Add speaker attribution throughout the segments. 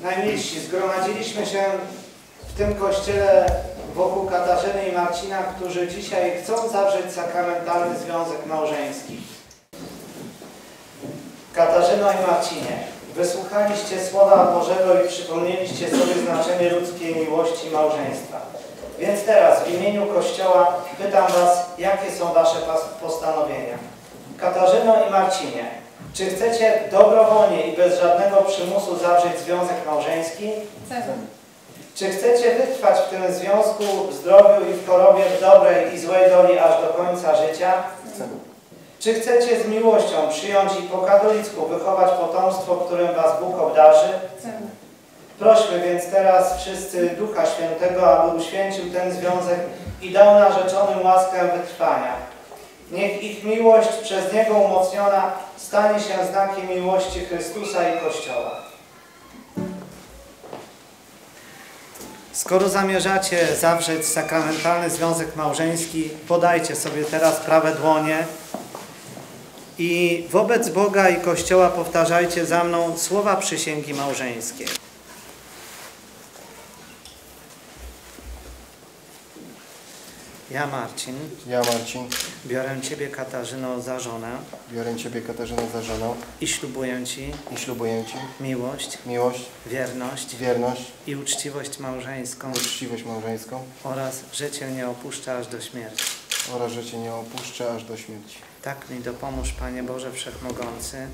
Speaker 1: Najmilsi, zgromadziliśmy się w tym kościele wokół Katarzyny i Marcina, którzy dzisiaj chcą zawrzeć sakramentalny związek małżeński. Katarzyno i Marcinie, wysłuchaliście Słowa Bożego i przypomnieliście sobie znaczenie ludzkiej miłości i małżeństwa. Więc teraz w imieniu Kościoła pytam was, jakie są wasze postanowienia. Katarzyno i Marcinie, czy chcecie dobrowolnie i bez żadnego przymusu zawrzeć związek małżeński?
Speaker 2: Chcemy.
Speaker 1: Czy chcecie wytrwać w tym związku w zdrowiu i w chorobie, w dobrej i złej doli aż do końca życia?
Speaker 2: Chcemy.
Speaker 1: Czy chcecie z miłością przyjąć i po katolicku wychować potomstwo, którym was Bóg obdarzy?
Speaker 2: Chcemy.
Speaker 1: Prośmy więc teraz wszyscy Ducha Świętego, aby uświęcił ten związek i dał narzeczonym łaskę wytrwania. Niech ich miłość przez Niego umocniona stanie się znakiem miłości Chrystusa i Kościoła. Skoro zamierzacie zawrzeć sakramentalny związek małżeński, podajcie sobie teraz prawe dłonie i wobec Boga i Kościoła powtarzajcie za mną słowa przysięgi małżeńskiej. Ja, Marcin, biorę Ciebie, Katarzyno, za żonę i ślubuję Ci miłość, wierność i uczciwość małżeńską oraz, że Cię nie opuszczę aż do śmierci. Tak mi dopomóż, Panie Boże Wszechmogący,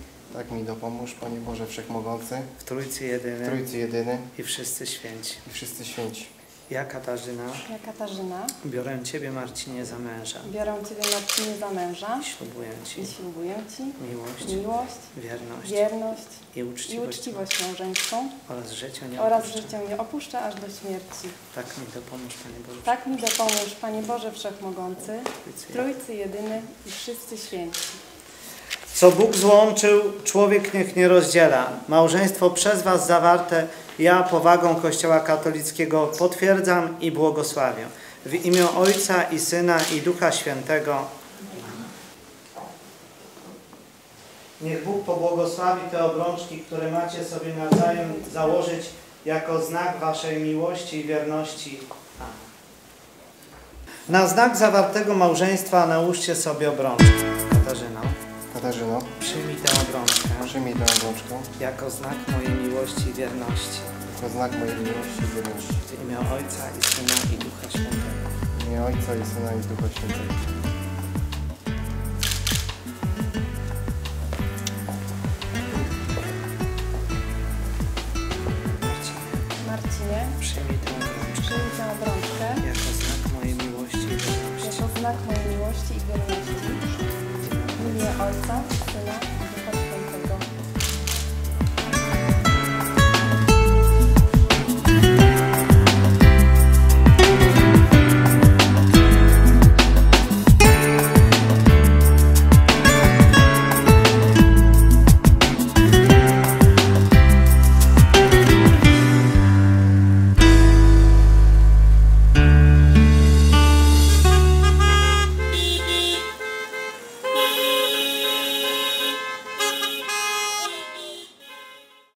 Speaker 1: w Trójcy Jedyny i wszyscy święci. Ja, Katarzyna, biorę Ciebie, Marcinie, za męża i ślubuję Ci miłość, wierność i uczciwość
Speaker 2: małżeńską
Speaker 1: oraz, że
Speaker 2: Cię nie opuszczę aż do śmierci.
Speaker 1: Tak mi dopomóż, Panie Boże.
Speaker 2: Tak mi dopomóż, Panie Boże Wszechmogący, Trójcy Jedyny i wszyscy święci.
Speaker 1: Co Bóg złączył, człowiek niech nie rozdziela. Małżeństwo przez was zawarte ja powagą Kościoła katolickiego potwierdzam i błogosławię. W imię Ojca i Syna i Ducha Świętego. Niech Bóg pobłogosławi te obrączki, które macie sobie nawzajem założyć jako znak waszej miłości i wierności. Amen. Na znak zawartego małżeństwa nałóżcie sobie obrączki. Katarzyno, przyjmij tę obrączkę jako znak mojej miłości i wierności. W imię Ojca i Syna i Ducha Świętego.
Speaker 2: Marcinie,
Speaker 1: Przyjmij tę obrączkę
Speaker 2: jako
Speaker 1: znak mojej miłości i wierności.
Speaker 2: W imię Ojca